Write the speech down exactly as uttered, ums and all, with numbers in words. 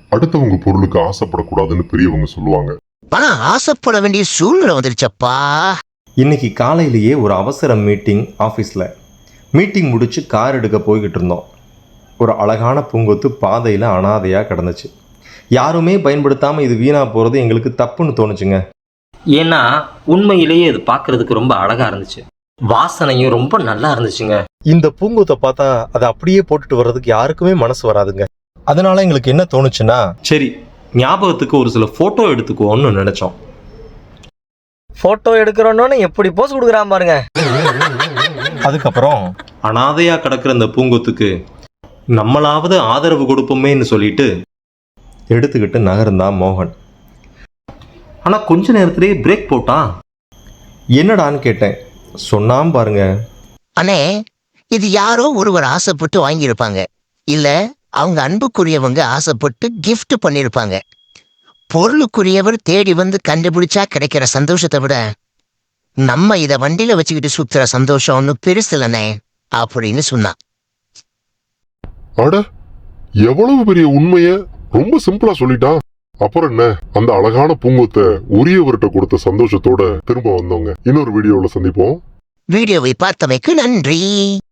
அடுத்தவங்க பொருளுக்கு ஆசைப்படக்கூடாதுன்னு பெரியவங்க சொல்லுவாங்க. ஆனா ஆசைப்பட வேண்டிய சூழ்நிலை வந்துருச்சப்பா. இன்னைக்கு காலையிலேயே ஒரு அவசர மீட்டிங் ஆஃபீஸில். மீட்டிங் முடிச்சு கார் எடுக்க போய்கிட்டு இருந்தோம். ஒரு அழகான பூங்கொத்து பாதையில் அனாதையாக கிடந்துச்சு. யாருமே பயன்படுத்தாமல் இது வீணாக போகிறது எங்களுக்கு தப்புன்னு தோணுச்சுங்க. ஏன்னா உண்மையிலேயே இது பார்க்கறதுக்கு ரொம்ப அழகா இருந்துச்சு, வாசனையும் ரொம்ப நல்லா இருந்துச்சுங்க. இந்த பூங்கொத்தை பார்த்தா அதை அப்படியே போட்டுட்டு வர்றதுக்கு யாருக்குமே மனசு வராதுங்க. அதனால எங்களுக்கு என்ன தோணுச்சுன்னா, சரி ஞாபகத்துக்கு ஒரு சில ஃபோட்டோ எடுத்துக்குவோம்னு நினச்சோம். போட்டோ எடுக்கிறோன்னு எப்படி போஸ் கொடுக்குறான் பாருங்க. அதுக்கப்புறம் அனாதையாக கிடக்கிற இந்த பூங்கொத்துக்கு நம்மளாவது ஆதரவு கொடுப்போமேன்னு சொல்லிட்டு எடுத்துக்கிட்டு நகர்ந்தான் மோகன். ஆனால் கொஞ்ச நேரத்திலேயே பிரேக் போட்டான். என்னடான்னு கேட்டேன். சொன்னாம் பாருங்க, அண்ணே இது யாரோ ஒருவர் ஆசைப்பட்டு வாங்கியிருப்பாங்க, இல்ல அவங்க அன்புக்குரியவங்க ஆசைப்பட்டு கிஃப்ட் பண்ணிருப்பாங்க. பொருளுக்குரியவர் தேடி வந்து கண்டுபிடிச்சா கிடைக்கிற சந்தோஷத்தை விட நம்ம இத வண்டியில வச்சுக்கிட்டு சுத்துற சந்தோஷம் ஒன்னும் பெருசு இல்லனே அப்படின்னு சொன்னான். அட எவ்வளவு பெரிய உண்மைய ரொம்ப சிம்பிளா சொல்லிட்டான். அப்புறம் என்ன, அந்த அழகான பூங்கொத்தை உரியவர்கிட்ட கொடுத்த சந்தோஷத்தோட திரும்ப வந்தவங்க. இன்னொரு வீடியோல சந்திப்போம். வீடியோவை பார்த்தமைக்கு நன்றி.